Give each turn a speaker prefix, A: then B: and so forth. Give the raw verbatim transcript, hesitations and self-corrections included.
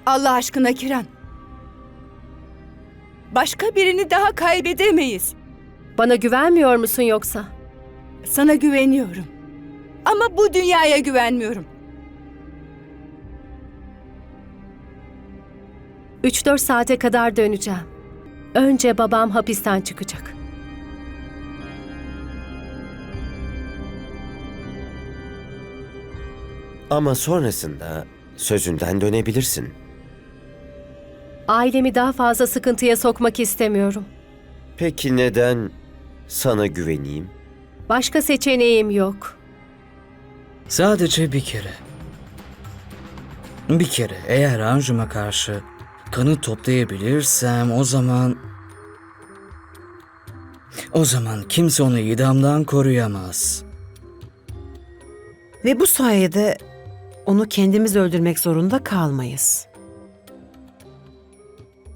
A: Allah aşkına Kiran. Başka birini daha kaybedemeyiz.
B: Bana güvenmiyor musun yoksa?
A: Sana güveniyorum. Ama bu dünyaya güvenmiyorum.
B: Üç dört saate kadar döneceğim. Önce babam hapisten çıkacak.
C: Ama sonrasında sözünden dönebilirsin.
B: Ailemi daha fazla sıkıntıya sokmak istemiyorum.
C: Peki neden sana güveneyim?
B: Başka seçeneğim yok.
D: Sadece bir kere. Bir kere eğer Anjum'a karşı kanıt toplayabilirsem o zaman... O zaman kimse onu idamdan koruyamaz.
E: Ve bu sayede onu kendimiz öldürmek zorunda kalmayız.